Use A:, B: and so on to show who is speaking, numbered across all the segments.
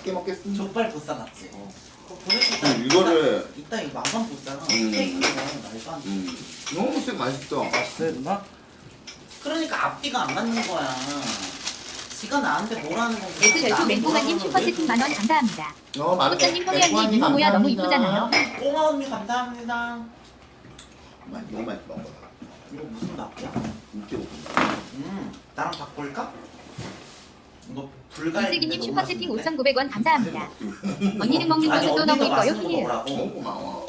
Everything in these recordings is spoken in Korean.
A: 맛있게 먹겠습니다.
B: 족발 보쌈 맞지? 그거 보내줄까?
A: 이거를
B: 이따 이거 망상 보쌈 스테이크 말도 안 돼.
A: 너무 색 맛있어.
B: 맛있어요 누나? 그러니까 앞뒤가 안 맞는 거야. 지가 나한테 뭐라는 건
C: 에그 별표 맹꽁아님 슈퍼채팅 만원 감사합니다.
A: 많은
C: 꽃장님 홍현님 이모 모야 너무 이쁘잖아요.
B: 꽁아 언니 감사합니다.
A: 너무 맛있어. 먹어.
B: 이거 무슨 밥이야?
A: 인기 높은다.
B: 나랑 바꿀까? 이거 불갈.
C: 이슬기님 슈퍼채팅 5,900원 감사합니다. 언니는 먹는 모습도 너무 이뻐요. 힐.
A: 너무 고마워.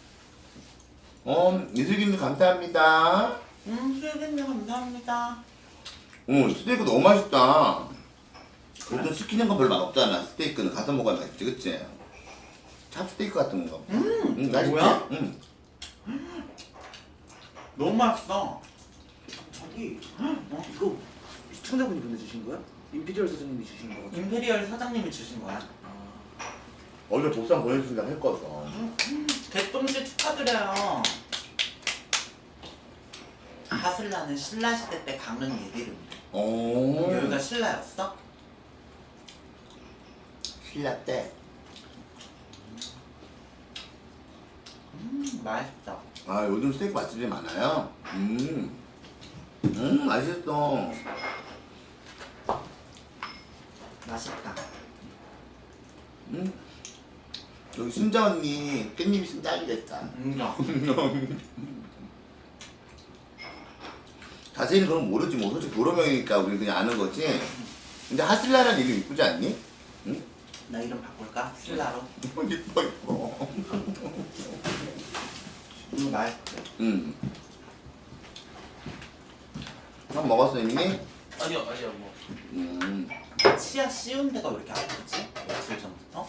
A: 이슬기님 감사합니다.
B: 수혜님 감사합니다.
A: 스테이크 너무 맛있다. 보통 시키는 거 별로 맛없잖아. 스테이크는 가서 먹어야 맛있지, 그치? 찹스테이크 같은 거. 맛있지?
B: 뭐야? 너무 맛있어. 저기
D: 이거 시청자분이 보내주신 거야? 임피리얼 사장님이 주신 거 같아.
B: 임페리얼 사장님이 주신 거야.
A: 어제 보쌈 보내주신다고 했거든.
B: 개똥씨 축하드려요. 하슬라는 신라 시대 때 강릉 예비름이래. 여기가 신라였어?
A: 신라 때.
B: 맛있다.
A: 요즘 스테이크 맛집이 많아요. 맛있어.
B: 맛있다.
A: 여기 순자 언니 깻잎 있으면 딱이겠다. 자세히는 그럼 모르지 뭐. 솔직히 여러 명이니까 우리 그냥 아는 거지. 근데 하슬라라는 이름 이쁘지 않니? 응?
B: 나 이름 바꿀까? 신라로?
A: 이뻐 이뻐.
B: 맛있어.
A: 한 먹었어 이미?
D: 아니요 뭐.
B: 치아 씌운 데가 왜 이렇게 아프지? 며칠 전부터?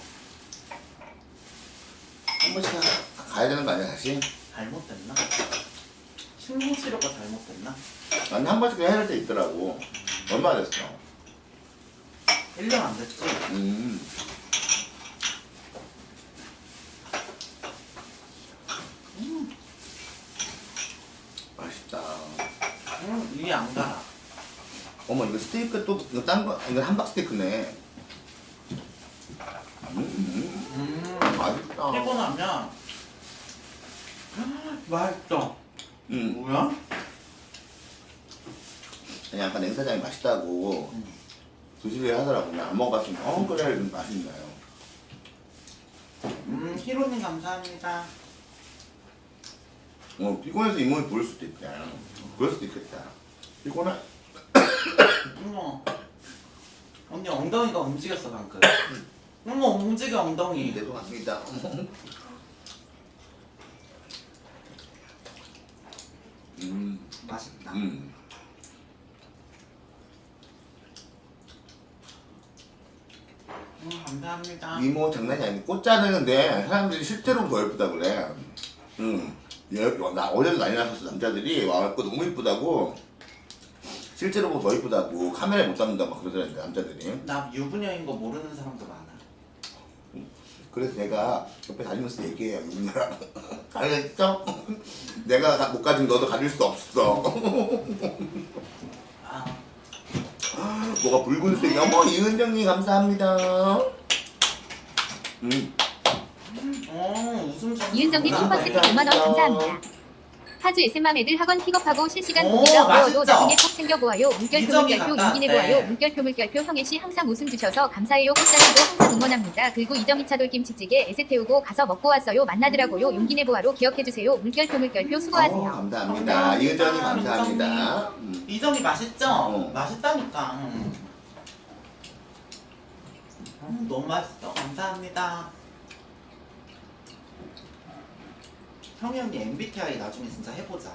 A: 한 번씩 가야 되는 거 아니야 다시?
B: 잘못됐나? 신경치료가 잘못됐나?
A: 아니 한 번씩 해야 할 때 있더라고. 얼마 됐어?
B: 1년 안 됐지?
A: 맛있다.
B: 이게 안 가라.
A: 어머 이거 스테이크 또 이거 딴 거 이거 함박 스테이크네. 맛있다.
B: 피곤하면 맛있어. 뭐야?
A: 아니 아까 냉사장이 맛있다고 드시려 하더라고. 그냥 안 먹어봤으면 그래 맛있나요?
B: 히로님 감사합니다.
A: 피곤해서 잇몸이 부을 수도 있다. 그럴 수도 있겠다. 피곤해?
B: 어머. 언니 엉덩이가 움직였어 방금. 어머 움직여 엉덩이.
A: 죄송합니다.
B: 맛있다. 감사합니다.
A: 이모 장난이 아니고 꽃 자르는데 사람들이 실제로 더 예쁘다 그래. 나 어제도 난리 났었어. 남자들이 와갖고 너무 예쁘다고. 실제로 보고 더 예쁘다고. 카메라에 못 담는다고 막 그러더라는데 남자들이.
B: 나 유부녀인 거 모르는 사람도 많아.
A: 그래서 내가 옆에 다니면서 얘기해요. 유부녀랑. 알겠죠? 내가 못 가진 너도 가질 수 없어. 뭐가 붉은색이. 어머 이은정님 감사합니다.
B: 웃음 좀.
C: 이은정님 슈퍼채팅 5만원 감사합니다. 파주 SM 애들 학원 픽업하고 실시간
B: 오,
C: 공개가
B: 맛있죠?
C: 보여도 나중에 꼭 챙겨보아요. 물결표
B: 이정이
C: 물결표
B: 같다.
C: 용기내
B: 네.
C: 보아요. 물결표 물결표 형혜씨 항상 웃음 주셔서 감사해요. 꽃사랑도 항상 응원합니다. 그리고 이정희 차돌김치찌개 에세 태우고 가서 먹고 왔어요. 만나더라고요. 용기내 보아로 기억해주세요. 물결표 물결표 수고하세요.
A: 감사합니다. 이은정님 감사합니다.
B: 이정이 맛있죠? 맛있다니까. 너무 맛있어. 감사합니다. 형이 언니 MBTI 나중에 진짜 해보자.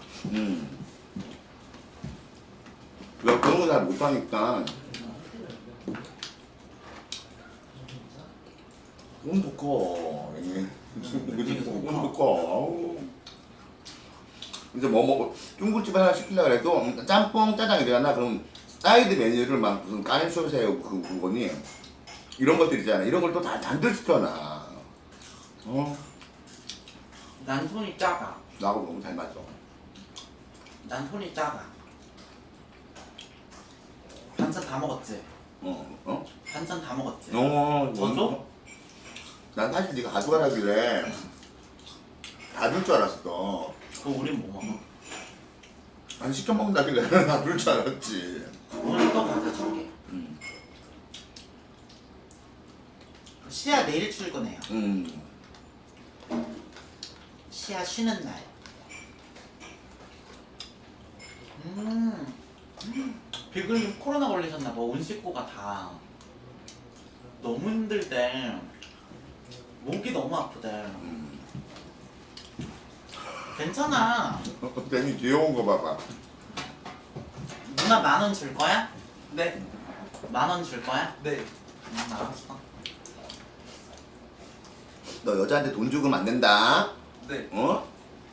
A: 내가 그런 거 잘 못하니까. 너무 두꺼워. 너무 두꺼워. 이제 뭐 먹어? 중국집 하나 시키려고 해도 짬뽕, 짜장 이래나 그럼 사이드 메뉴를 막 무슨 까니쇼새우 그거니 이런 것들 있잖아. 이런 걸 또 다 잔뜩 시켜놔.
B: 난 손이 작아.
A: 나하고 너무 잘 맞아.
B: 난 손이 작아. 반찬 다 먹었지?
A: 어?
B: 반찬 다 먹었지?
A: 더
B: 줘?
A: 난 사실 네가 가져가라길래 다 줄 줄 알았어.
B: 그거 우린 뭐 먹어?
A: 아니 시켜 먹는다길래 다 줄 줄 알았지.
B: 오늘 또 가져줄게. 시아 내일 출근해요. 시아 쉬는 날. 비글님 코로나 걸리셨나봐. 온 식구가 다 너무 힘들대. 목이 너무 아프대. 괜찮아.
A: 괜히 귀여운 거 봐봐.
B: 누나 10,000원 줄 거야?
D: 네.
B: 10,000원 줄 거야?
D: 네.
B: 알았어.
A: 너 여자한테 돈 주고 안 된다.
D: 네.
A: 어?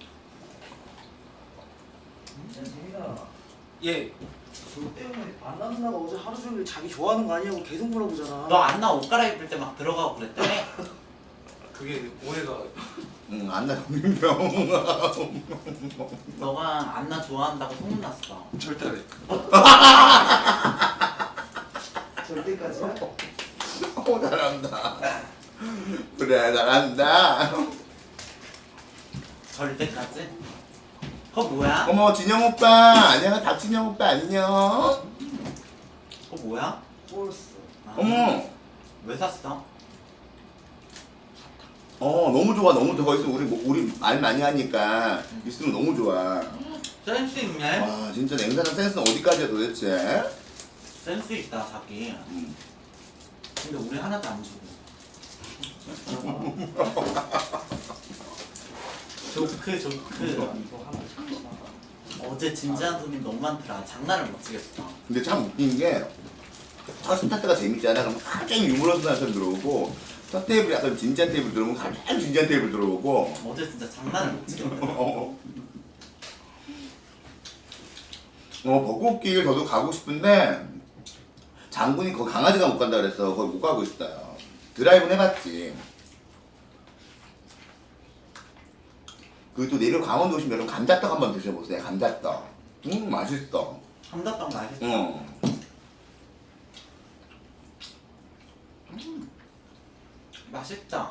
D: 예. 저 때문에 안나 누나가 어제 하루 종일 자기 좋아하는 거 아니냐고 계속 물어보잖아.
B: 너 안나 옷 갈아입을 때 막 들어가고 그랬다며?
D: 그게 오해가.
A: 응, 안나 민병.
B: 너가 안나 좋아한다고 소문났어.
D: 절대 안 해. 절대까지야?
A: 잘한다. 그래, 잘한다.
B: 절대까지? 그거 뭐야?
A: 어머, 진영 오빠. 안녕, 박진영 오빠 안녕.
B: 그거 뭐야?
D: 폴스.
B: 아,
A: 어머.
B: 왜 샀어?
A: 너무 좋아, 너무 좋아. 거기서 우리 말 많이 하니까 있으면 너무 좋아.
B: 센스 있네?
A: 와, 진짜 냉사장 센스는 어디까지야 도대체?
B: 센스 있다 자기. 근데 우리 하나도 안 주고. 조크. 어제 진지한 손님 너무 많더라. 장난을 못 치겠어.
A: 근데 참 웃긴 게 첫 스타트가 재밌잖아. 그럼 갑자기 유머러스한 사람 들어오고 첫 테이블이 약간 진지한 테이블 들어오면 갑자기 진지한 테이블 들어오고
B: 어제 진짜 장난을 못 치겠어.
A: 벚꽃길 저도 가고 싶은데 장군이 거기 강아지가 못 간다 그래서 거기 못 가고 있어요. 드라이브는 해봤지. 그리고 또 내일 강원도 오시면 여러분 감자떡 한번 드셔보세요. 감자떡. 맛있어.
B: 감자떡 맛있어. 맛있죠?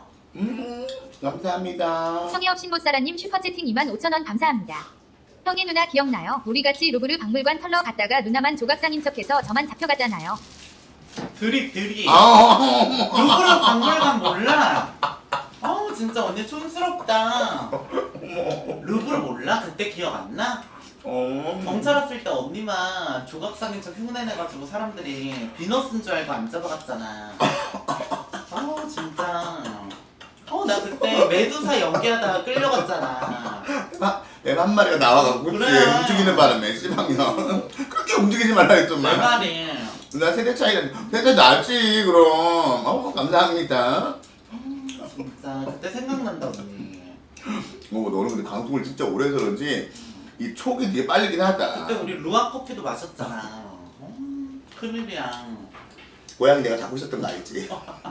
A: 감사합니다.
C: 성의업 신보사라님 슈퍼채팅 25,000원 감사합니다. 형의 누나 기억나요? 우리 같이 루브르 박물관 털러 갔다가 누나만 조각상인 척해서 저만 잡혀갔잖아요.
B: 드립. 루브르
A: 아,
B: 박물관 몰라? 아우 진짜 언니 촌스럽다. 루브르 몰라? 그때 기억 안 나? 경찰 왔을 때 언니만 조각상인 척 흉내내가지고 사람들이 비너스인 줄 알고 안 잡아갔잖아. 아우 진짜. 나 그때 메두사 연기하다가 끌려갔잖아.
A: 뱀 한 마리가 나와가지고 그치?
B: 그래.
A: 움직이는 바람에 씨방이야. 그렇게 움직이지 말라
B: 내
A: 했더만.
B: 말이.
A: 나 세대 차이가 낫지 그럼. 감사합니다.
B: 진짜 그때 생각난다 언니.
A: 너는 근데 방송을 진짜 오래 해서 그런지 이 촉이 되게 빨리긴 하다.
B: 그때 우리 루아 커피도 마셨잖아. 큰일이야.
A: 고양이 내가 잡고 있었던 거 알지?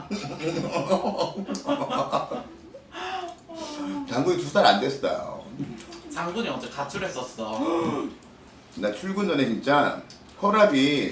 A: 장군이 2살 안 됐어요.
B: 장군이 어제 가출했었어.
A: 나 출근 전에 진짜 혈압이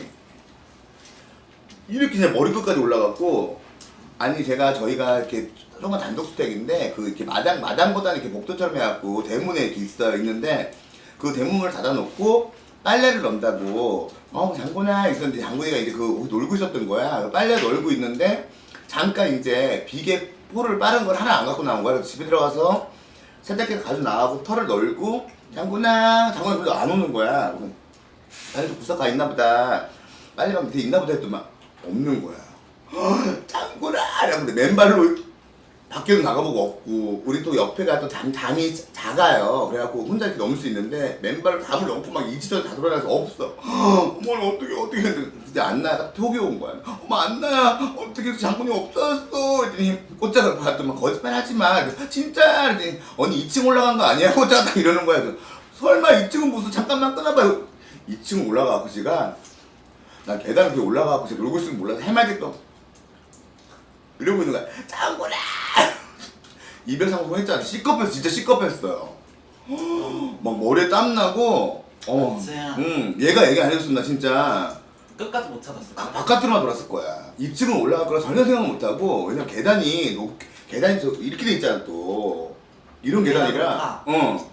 A: 이렇게 제 머리 끝까지 올라갔고, 아니 저희가 이렇게 조그만 단독 주택인데 그 이렇게 마당보다는 이렇게 복도처럼 해갖고 대문에 이렇게 있는데 그 대문을 닫아놓고 빨래를 넣는다고 장군아 있었는데 장군이가 이제 놀고 있었던 거야. 빨래 널고 있는데 잠깐 이제 비계 포를 빠른 걸 하나 안 갖고 나온 거야. 그래서 집에 들어가서 세탁기를 가지고 나가고 털을 널고 장군이 별로 안 오는 거야. 아니 좀 구석 가 있나 보다. 빨래방 밑에 있나 보다 했더니 없는 거야. 장군아! 이러는데 맨발로 밖에도 나가보고 없고, 우리 또 옆에가 또 담이 작아요. 그래갖고 혼자 이렇게 넘을 수 있는데 맨발로 담을 넘고 막 이지저지 다 돌아다녀서 없어. 어머 어떻게 했는데 근데 안나가 톡이 온 거야. 어머 안나야 어떻게 장군이 없어졌어. 이랬더니 꽃자가 봤더니 거짓말 하지마. 진짜. 이랬더니 언니 2층 올라간 거 아니야? 꽃자가 딱 이러는 거야. 그래서 설마 2층은 무슨 잠깐만 끊어봐요. 2층 올라가고 지가 난 계단 위에 올라가고 제가 놀고 있으면 몰라서 해맑게 또 이러고 있는 거야. 장군아! 이별상봉 했잖아. C컵했어. 진짜 C컵했어요. 막 머리에 땀나고
B: 그치.
A: 얘가 얘기 안 해줬으면 나 진짜
B: 끝까지 못 찾았을 거야.
A: 바깥으로만 돌았을 거야. 2층은 올라갈 거라 전혀 생각 못 하고 왜냐면 계단이 이렇게 돼 있잖아 또 이런 계단이라.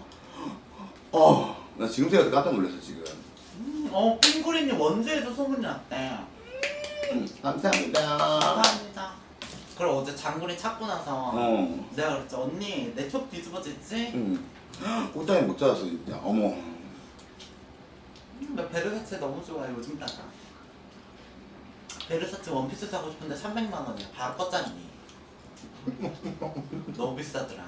A: 나 지금 생각해도 깜짝 놀랐어 지금.
B: 핑구리님 원주에도 소문이 났대.
A: 감사합니다.
B: 감사합니다. 그럼 어제 장군이 찾고 나서 내가 그랬지 언니 내 촉 뒤집어졌지?
A: 꽃다리 못 찾았어 진짜. 어머.
B: 나 베르사체 너무 좋아해 요즘 따라. 베르사체 원피스 사고 싶은데 300만 원이야. 바로 껐잖니. 너무 비싸더라.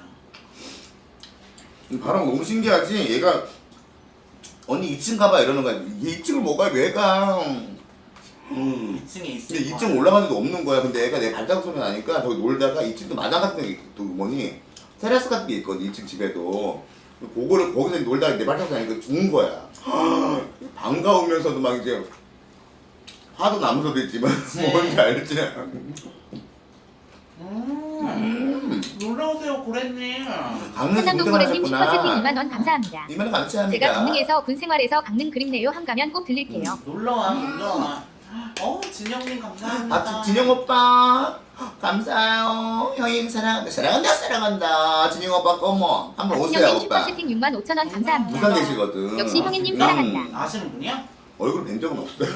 A: 바람 너무 신기하지? 얘가 언니 2층 가봐 이러는 거야. 얘 2층을 못 가, 왜 가?
B: 2층에 있을
A: 근데
B: 거야.
A: 2층 올라가는데도 없는 거야. 근데 애가 내 발자국 소리 나니까 저기 놀다가 2층도 마당 같은 게 또 뭐니 테라스 같은 게 있거든 2층 집에도. 그거를 거기서 놀다가 내 발자국 나니까 죽은 거야. 반가우면서도 막 이제 화도 나면서도 있지만 뭔지 알지?
B: 놀러오세요 고래님.
A: 강릉에서
C: 한남동 고래님
A: 운전하셨구나.
C: 슈퍼채팅 2만원 감사합니다.
A: 2만원 감사합니다.
C: 제가 강릉에서 군생활에서 강릉 그립네요. 한가면 꼭 들릴게요.
B: 놀러와. 진영님 감사합니다.
A: 진영 오빠 감사해요. 형님 사랑한다. 진영 오빠 꼬모 한번 오세요
C: 박진영님
A: 오빠.
C: 슈퍼채팅 65,000원 감사합니다.
A: 부산 계시거든.
C: 역시 형님 사랑한다.
B: 아시는 분이야?
A: 얼굴 뵌 적은 없어요.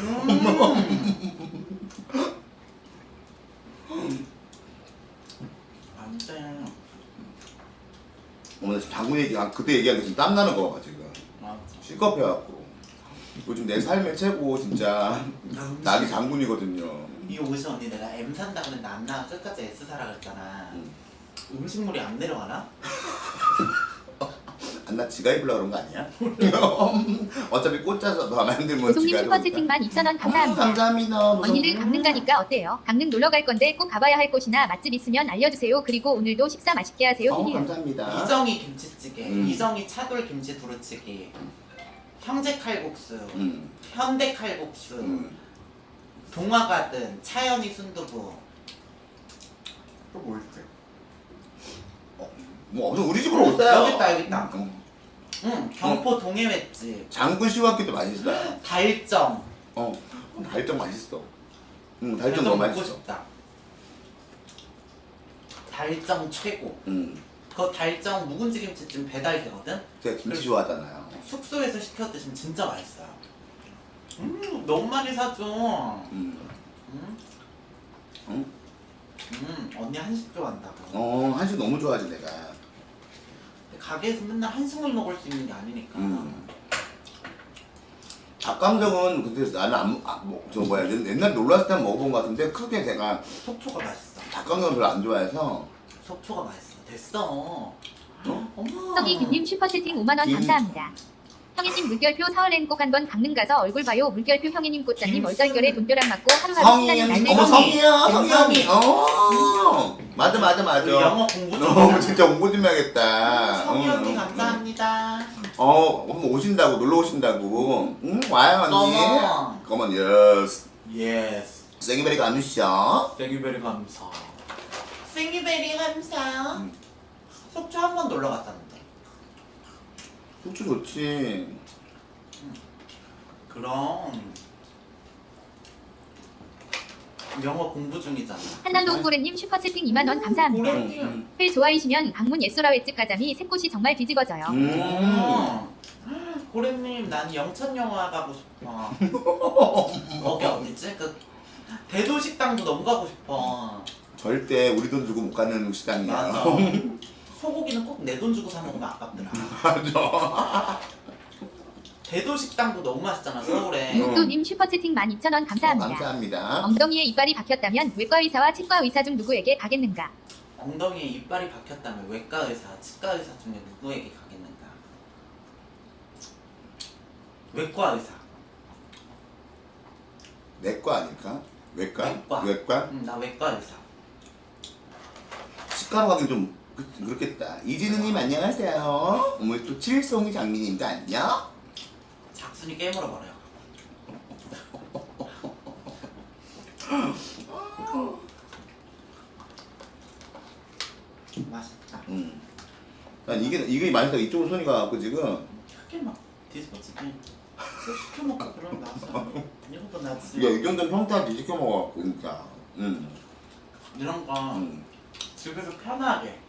B: 안돼.
A: 어머 나 지금 장군 그때 얘기하는 게 지금 땀 나는 거 봐 지금.
B: 맞아.
A: 실컷해갖고 요즘 내 삶의 최고 진짜 낙이 장군이거든요.
B: 이 옷이 언니 내가 M 산다 그랬는데 안 나와. 끝까지 S 사라 그랬잖아. 음식물이 안 내려가나?
A: 나 지가 입으려고 그런 거 아니야? 어차피 꽂아서 더 만들면
C: 고송님
A: 지가
C: 슈퍼채팅 12,000원 감사합니다.
A: 감사합니다.
C: 언니들 강릉 가니까 어때요? 강릉 놀러 갈 건데 꼭 가봐야 할 곳이나 맛집 있으면 알려주세요. 그리고 오늘도 식사 맛있게 하세요. 히히.
A: 감사합니다.
B: 이정희 김치찌개,
A: 음.
B: 이정희 차돌 김치 두루치기, 형제 칼국수, 현대 칼국수, 동화가든, 차연이 순두부. 또 뭐 있지?
A: 뭐 없어 우리 집으로 오세요.
B: 여기 있다. 경포 동해횟집.
A: 장군 시와끼도 맛있어요.
B: 달정.
A: 달정 맛있어. 달정 너무
B: 먹고
A: 맛있어.
B: 싶다. 달정 최고.
A: 그
B: 그 달정 묵은지 김치찜 배달되거든?
A: 제가 김치 좋아하잖아요.
B: 숙소에서 시켜 드시면 진짜 맛있어요. 너무 많이 사줘. 언니 한식 좋아한다고.
A: 한식 너무 좋아하지 내가.
B: 가게에서 맨날 한식만 먹을 수 있는 게 아니니까.
A: 닭강정은 근데 나는 옛날 놀러 왔을 때 먹어본 것 같은데 크게 제가
B: 속초가 맛있어.
A: 닭강정 별로 안 좋아해서.
B: 속초가 맛있어. 됐어. 어머.
C: 성희김님 슈퍼채팅 5만원 감사합니다. 형애님 물결표 사흘엔 꼭 한번 강릉 가서 얼굴 봐요. 물결표 형애님 꽃자님 얼떨결에 돈벼락 맞고 하루하루 시간이 날네.
A: 어머 성이야
B: 성이.
A: 맞아.
B: 그 영어 공부 좀
A: 너무 진짜 공부 좀 해야겠다.
B: 성희 언니 감사합니다.
A: 한번 오신다고 놀러 오신다고. 와요 언니. Come on, yes.
B: 예스.
A: 생이베리 감사.
B: 생이베리 감사. 생이베리 감사. 속초 한 번 놀러 갔다는데.
A: 속초 좋지.
B: 그럼 영어 공부 중이잖아.
C: 한남동 고래님 슈퍼채팅 2만원 감사합니다.
B: 고래님.
C: 회 좋아이시면 강문 예소라 횟집 가자미 새꽃이 정말 뒤집어져요.
B: 고래님 난 영천 영화 가고 싶어. 거기 어디지? 그 대도식당도 너무 가고 싶어.
A: 절대 우리 돈 주고 못 가는 식당이야.
B: 맞아. 소고기는 꼭 내 돈 주고 사 먹으면 아깝더라.
A: 맞아.
B: 대도식당도 너무 맛있잖아 서울에.
C: 육도님 슈퍼채팅 12,000원 감사합니다.
A: 감사합니다.
C: 엉덩이에 이빨이 박혔다면 외과 의사와 치과 의사 중 누구에게 가겠는가?
B: 엉덩이에 이빨이 박혔다면 외과 의사, 치과 의사 중에 누구에게 가겠는가? 외과 의사.
A: 내과 아닐까? 외과?
B: 외과. 나 외과 의사.
A: 치과로 가긴 좀 그렇겠다. 이진우님 안녕하세요. 오늘 또 칠송이 장미님도 안녕.
B: 작순이 깨물어 버려. 맛있다.
A: 난 이게 맛있어. 이쪽으로 손이 가갖고 지금.
B: 크게 막 뒤집어지게. 또 시켜 먹고 그럼 나지. 이것도 나지.
A: 야, 이 정도는 평타한테 시켜 먹어갖고 진짜.
B: 이런 거 집에서 편하게.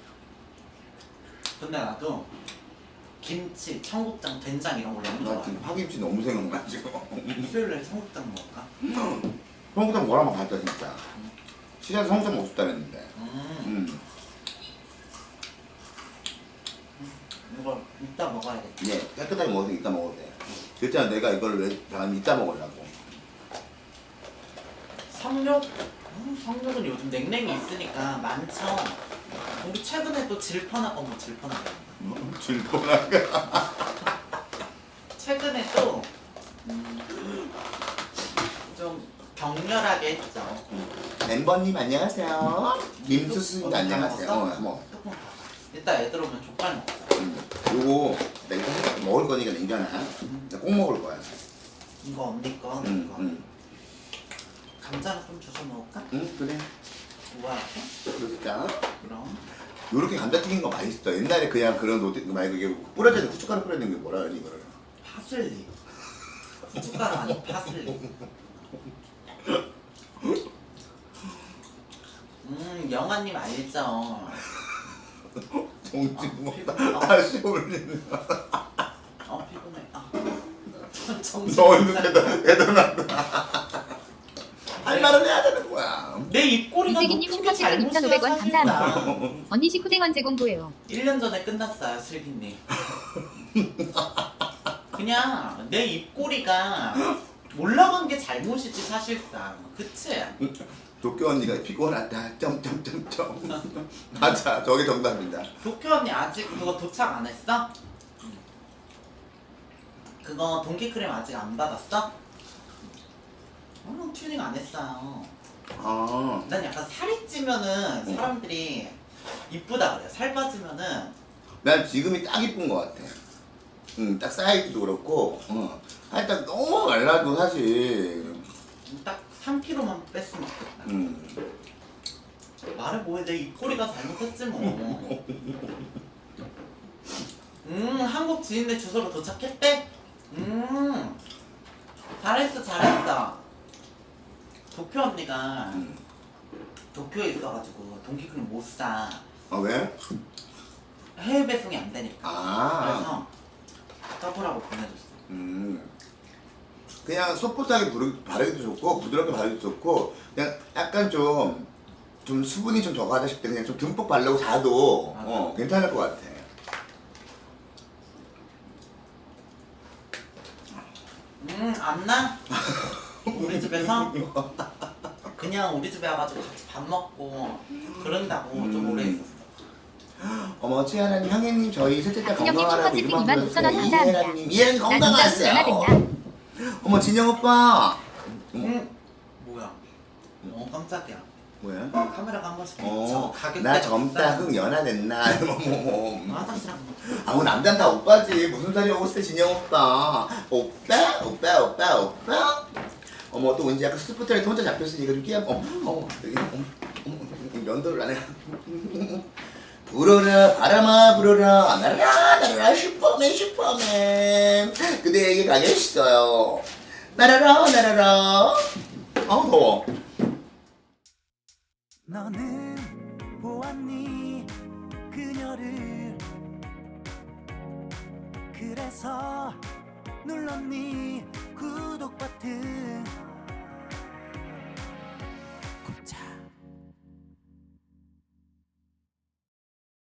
B: 근데 나도 김치, 청국장, 된장 이런 거 너무
A: 나
B: 좋아해.
A: 지금 파김치 너무 생각나 지금.
B: 수요일에 청국장 먹을까?
A: 성구장 뭐라면 갔다 진짜. 시장에서 성구장 먹고 싶다랬는데.
B: 이거 이따 먹어야겠다.
A: 예, 깨끗하게 먹어서 이따 먹어도 돼. 그랬잖아, 내가 이걸 왜 난 이따 먹으려고.
B: 성욕? 성욕은 요즘 냉랭이 있으니까 많죠. 우리 최근에 또 질펀하고 뭐 질펀하게.
A: 질펀하게.
B: 최근에 또 좀 격렬하게 했죠.
A: 멤버님 안녕하세요. 김수수님 안녕하세요. 뭐.
B: 조금 더. 이따 애들 오면 족발 먹자.
A: 요거 내가 이거 먹을 거니까 냉장아. 나 꼭 먹을 거야.
B: 이거 언니 거, 이거. 감자를 좀 주워 먹을까?
A: 그래.
B: 우와.
A: 그러니까.
B: 그럼.
A: 요렇게 감자튀긴 거 맛있어. 옛날에 그냥 그런 말고 이게 뿌려져 있는 후춧가루 뿌려 있는 게 뭐라 그러니 이거를.
B: 파슬리. 후춧가루 아니 파슬리. 영아님 알죠?
A: 정지 뭐
B: 피곤해.
A: 다시 올리는.
B: 피곤해.
A: 너 이거 대단하다. 할 말은 해야 되는 거야.
B: 내 입꼬리가
C: 이재기님 슈퍼챗 2,500원 감사합니다. 언니 식후생 언제 공부해요?
B: 1년 전에 끝났어요, 슬기님. 그냥 내 입꼬리가 올라간 게 잘못이지 사실상. 그치?
A: 도쿄 언니가 피곤하다. 점점점점. 맞아, 저게 정답입니다.
B: 도쿄 언니 아직 그거 도착 안 했어? 그거 동키크림 아직 안 받았어? 튜닝 안 했어요.
A: 아,
B: 난 약간 살이 찌면은 사람들이 이쁘다 그래. 살 빠지면은
A: 난 지금이 딱 이쁜 것 같아. 딱 사이즈도 그렇고, 살짝 너무 말라도 사실,
B: 딱 3kg만 뺐으면 좋겠다. 말해 뭐해, 내 입꼬리가 잘못했지 뭐. 한국 지인네 주소로 도착했대? 잘했어 잘했어. 도쿄 언니가 도쿄에 있어가지고 동키크림 못 사.
A: 아, 왜?
B: 해외 배송이 안 되니까.
A: 아,
B: 그래서 더블하고 보내줬어.
A: 그냥 소프트하게 바르기도 좋고, 부드럽게 바르기도 좋고, 그냥 약간 좀 수분이 좀 적하다 싶을 때 그냥 좀 듬뿍 바르고 자도, 괜찮을 것 같아.
B: 안 나? 우리 집에서? 그냥 우리 집에 와가지고 같이 밥 먹고 그런다고 좀 오래 있었어.
A: 어머, 최하나님, 형님, 저희 셋째 딸
C: 진영님
A: 건강하라고
C: 슈퍼채팅
A: 이름
C: 25,000원 감사합니다.
A: 이혜라님, 이혜라님
C: 나 진짜
A: 건강하세요.
C: 연하됐냐?
A: 어머, 진영 오빠.
B: 뭐야? 깜짝이야.
A: 뭐야?
B: 카메라가 한 번씩 비쳐. 가격대가
A: 나 젊다,
B: 비싸.
A: 흥 연하됐나? 뭐.
B: 화장실 한 번.
A: 아우, 남자는 다 오빠지. 무슨 소리 하고 있어, 진영 오빠. 오빠? 오빠, 오빠, 오빠? 어머, 또 왠지 약간 스포트라이트 혼자 잡혔으니까 좀 끼야. 여기, 면도를 안 해. 불어라, 바람아, 불어라. 날아라, 날아라, 슈퍼맨, 슈퍼맨. 그대에게 가겠어요. 날아라, 날아라. 아우, 더워.
E: 너는 보았니 그녀를 그래서 눌렀니 구독